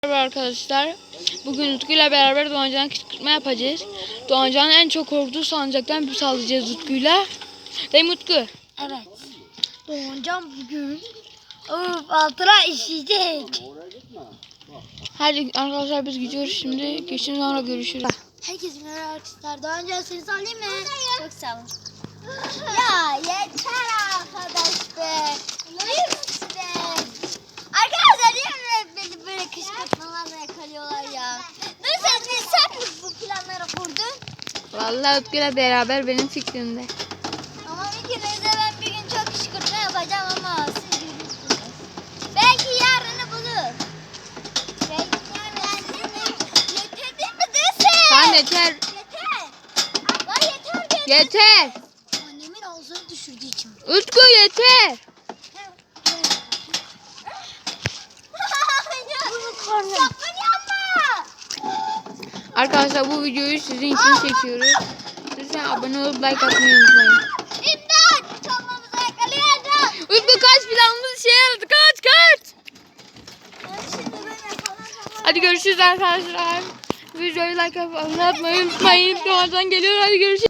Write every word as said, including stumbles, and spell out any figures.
Merhaba arkadaşlar. Bugün Utku ile beraber Doğancan'a kışkırtma yapacağız. Doğancan'ın en çok korktuğu salıncaktan bir sallayacağız Utku'yla. Değil mi Utku? Evet. Doğancan bugün of, altına işeyecek. Hadi arkadaşlar biz gidiyoruz şimdi. Geçin sonra görüşürüz. Herkese merhaba arkadaşlar. Doğancan seni sallayayım mı? Çok sağ olun. Ya yeter arkadaş be. Lütfen. Arkadaşlar niye beni böyle kışkırtmalarla yakalıyorlar ya? Nasıl bir sen mi bu planları kurdun? Vallahi Utku ile beraber benim fikrimde. Ama ikinize ben bir gün çok kışkırtma yapacağım ama siz görürsünüz. Belki yarını bulur. Belki yarını yeter değil mi desin? Tamam yeter. Yeter. Lan yeter be. Yeter. Annemin ağzını düşürdüğü için. Utku yeter. Sakın yapma. Arkadaşlar bu videoyu sizin için çekiyoruz. Lütfen abone olup like atmayı unutmayın. İmdat. Çalmamıza yakalayacağım. Utku kaç planımız şey yaradı. Kaç kaç. Şimdi ben yakalayacağım. Hadi görüşürüz arkadaşlar. Videoyu like atıp abone olmayı unutmayın. Doğancan geliyor. Hadi görüşürüz.